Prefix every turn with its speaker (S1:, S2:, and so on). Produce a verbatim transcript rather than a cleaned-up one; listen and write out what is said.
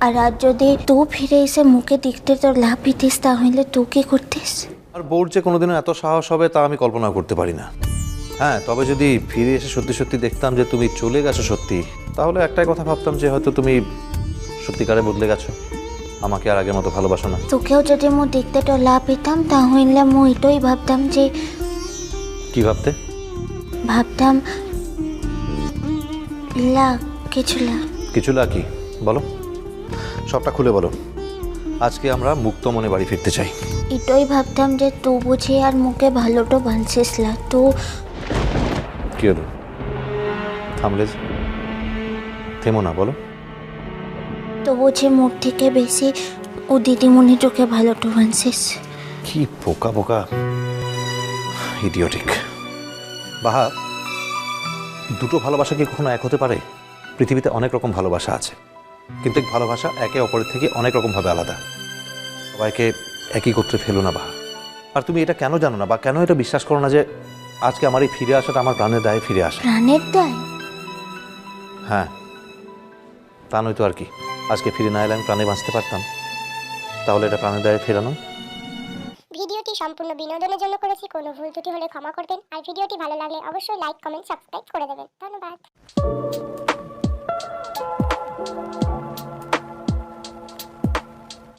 S1: আর আজ যদি তুই ফিরে এসে মুখে দেখতে তোর লাভ দিতিস তাহলে তুই কি করতিস?
S2: আর বোর যে কোনোদিনও এত সাহস হবে তা আমি কল্পনা করতে পারি না। হ্যাঁ, তবে যদি ফিরে এসে সত্যি সত্যি দেখতাম যে তুমি চলে গেছো সত্যি, তাহলে একটাই কথা ভাবতাম যে হয়তো তুমি সত্যিকারে বদলে গেছো, আমাকে আর আগের মতো ভালোবাসো না।
S1: তোকেও যদি মু দেখতে তোর লাভ পেতাম তাহলে মু এটাই ভাবতাম যে
S2: কি ভাবতে?
S1: ভাবতাম লা কিছু লা
S2: কিছু না কি বলো, সবটা খুলে বলো। আজকে আমরা মুক্ত মনে বাড়ি ফিরতে চাই।
S1: এটাই ভাবতাম যে তুই বুঝি আর মুখে ভালোটা বানছিস লা। তো
S2: কি হলো, থামলে যে? থেমো না, বলো।
S1: তো বুঝি মুখ থেকে বেশি ও দিদিমণি তোকে ভালোটা বানছিস।
S2: কি বোকা বোকা ইডিওটিক। বাহা, দুটো ভালোবাসা কি কখনো এক হতে পারে? পৃথিবীতে অনেক রকম ভালোবাসা আছে, কিন্তু এই ভালোবাসা একে অপরের থেকে অনেক রকমভাবে আলাদা। সবাইকে একই গোত্রে ফেলো না বাহা। আর তুমি এটা কেন জানো না বা কেন এটা বিশ্বাস করো না যে আজকে আমার এই ফিরে আসাটা আমার প্রাণের দায়ে ফিরে আসে?
S1: প্রাণের দায়?
S2: হ্যাঁ, তা নয়তো আর কি। আজকে ফিরে না এলে আমি প্রাণে বাঁচতে পারতাম, তাহলে এটা প্রাণের দায়ে ফেরানো।
S3: ভিডিওটি সম্পূর্ণ বিনোদনের জন্য করেছি, কোনো ভুল ত্রুটি হলে ক্ষমা করবেন। আর ভিডিওটি ভালো লাগলে অবশ্যই লাইক, কমেন্ট, সাবস্ক্রাইব করে দেবেন। ধন্যবাদ।